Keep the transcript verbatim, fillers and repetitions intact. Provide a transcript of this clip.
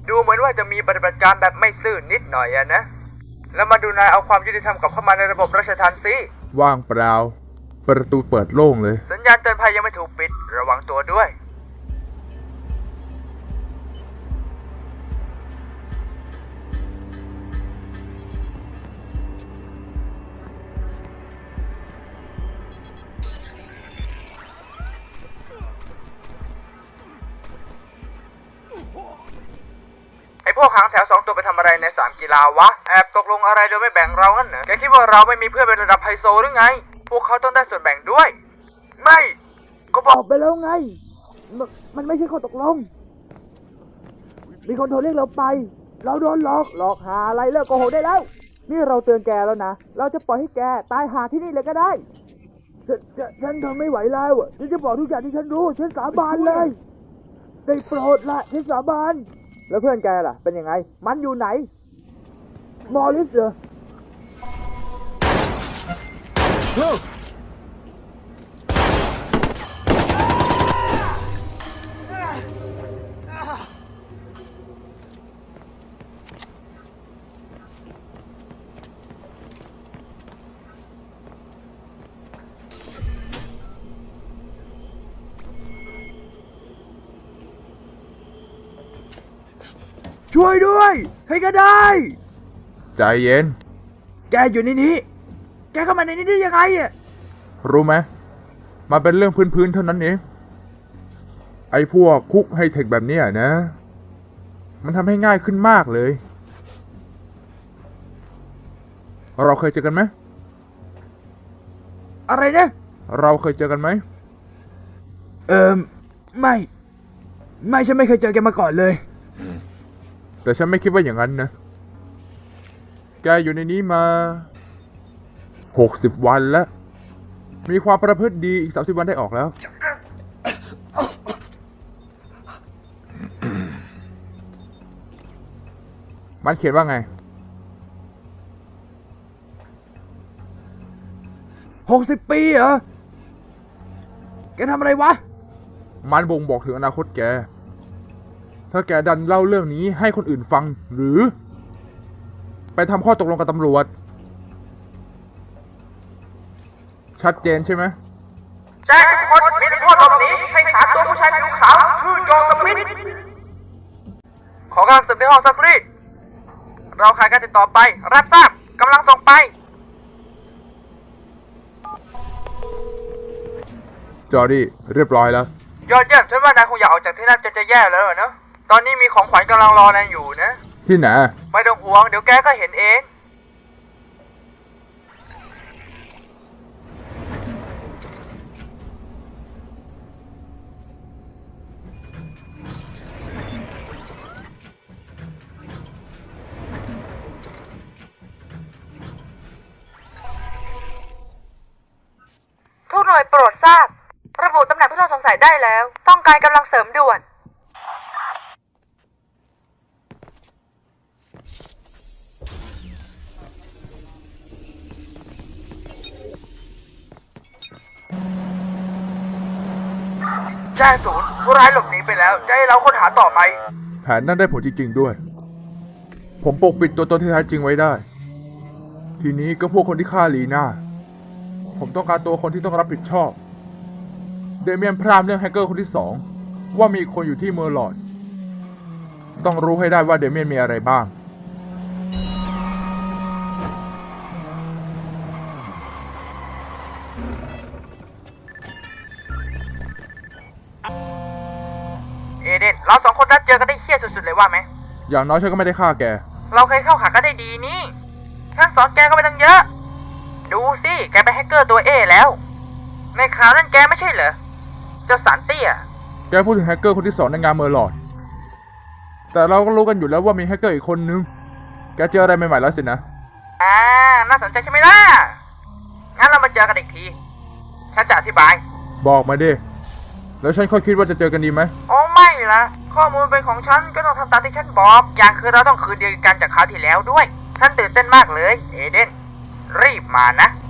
ดูเหมือนว่าจะมีปฏิบัติการแบบไม่ซื่อนิดหน่อยอะนะแล้วมาดูนายเอาความยุติธรรมกลับเข้ามาในระบบราชทัณฑ์สิว่างเปล่าประตูเปิดโล่งเลยสัญญาณเตือนภัยยังไม่ถูกปิดระวังตัวด้วยพวกหางแถวสองตัวไปทำอะไรในสนามกีฬาวะแอบตกลงอะไรโดยไม่แบ่งเรางั้นเหรอแกคิดว่าเราไม่มีเพื่อนเป็นระดับไฮโซหรือไงพวกเขาต้องได้ส่วนแบ่งด้วยไม่ก็บอกไปแล้วไงมมันไม่ใช่ข้อตกลงมีคนโทรเรียกเราไปเราโดนหลอกหลอกหาอะไรเลิกโกหกได้แล้วนี่เราเตือนแกแล้วนะเราจะปล่อยให้แกตายหาที่นี่เลยก็ได้ฉันฉันฉันทำไม่ไหวแล้วฉันจะบอกทุกอย่างที่ฉันรู้ฉันสาบานเลยได้โปรดละฉันสาบานแล้วเพื่อนแกล่ะเป็นยังไงมันอยู่ไหนมอริสเหรอช่วยด้วยใครก็ได้ใจเย็นแกอยู่ในนี้แกเข้ามาในนี้ได้ยังไงอ่ะรู้ไหมมันเป็นเรื่องพื้นๆเท่านั้นเองไอ้พวกคุกไฮเทคแบบนี้นะมันทำให้ง่ายขึ้นมากเลยเราเคยเจอกันไหมอะไรนะเราเคยเจอกันไหมเอ่อไม่ไม่ฉันไม่เคยเจอแกมาก่อนเลยแต่ฉันไม่คิดว่าอย่างนั้นนะแกอยู่ในนี้มาหกสิบวันแล้วมีความประพฤติดีอีกสามสิบวันได้ออกแล้วมันเขียนว่าไงหกสิบปีเหรอแกทำอะไรวะมันบ่งบอกถึงอนาคตแกถ้าแกดันเล่าเรื่องนี้ให้คนอื่นฟังหรือไปทำข้อตกลงกับตำรวจชัดเจนใช่ไหมแจ้งทุกคนมีโทษหลบหนีให้หาตัวผู้ชายผิวขาวชื่อโจสมิธขอการสืบในห้องซักรีดเราขายการติดต่อไปรับทราบกำลังส่งไปจอร์ดี้เรียบร้อยแล้วยอดเยี่ยมฉันว่านายคงอยากออกจากที่นั่นจะจะแย่แล้วเนอะตอนนี้มีของขวัญกำลังรอนายอยู่นะที่ไหนไม่ต้องห่วงเดี๋ยวแกก็เห็นเองทุกหน่วยโปรดทราบระบุตำแหน่งผู้ต้องสงสัยได้แล้วต้องการกำลังเสริมด่วนแจ้งศูนย์ผู้ร้ายหลบหนีไปแล้วจะให้เราค้นหาต่อไหมแผนนั้นได้ผลจริงๆด้วยผมปกปิดตัวตนที่แท้จริงไว้ได้ทีนี้ก็พวกคนที่ฆ่าลีน่าผมต้องการตัวคนที่ต้องรับผิดชอบเดเมียนพรามเรื่องแฮกเกอร์คนที่สองว่ามีคนอยู่ที่เมอร์ลอดต้องรู้ให้ได้ว่าเดเมียนมีอะไรบ้างเอเดนเราสองคนนัดเจอกันได้เหี้ยสุดๆเลยว่าไหมอย่างน้อยฉันก็ไม่ได้ฆ่าแกเราเคยเข้าขากันได้ดีนี่ฉันสอนแกก็ไปตั้งเยอะดูสิแกเป็นแฮกเกอร์ตัวเอแล้วในข่าวนั้นแกไม่ใช่เหรอเจ้าสันเตี้ยแกพูดถึงแฮกเกอร์คนที่สองในงานเมอร์ลอดแต่เราก็รู้กันอยู่แล้วว่ามีแฮกเกอร์อีกคนนึงแกเจออะไรใหม่ๆแล้วสินะอ่าน่าสนใจใช่ไหมล่ะงั้นเรามาเจอกันอีกทีฉันจะอธิบายบอกมาดิแล้วฉันค่อยคิดว่าจะเจอกันดีไหมโอ้ไม่ละข้อมูลเป็นของฉันก็ต้องทำตามที่ฉันบอกอย่างคือเราต้องคืนเดียวกันจากคราวที่แล้วด้วยฉันตื่นเต้นมากเลยเอเดนรีบมานะ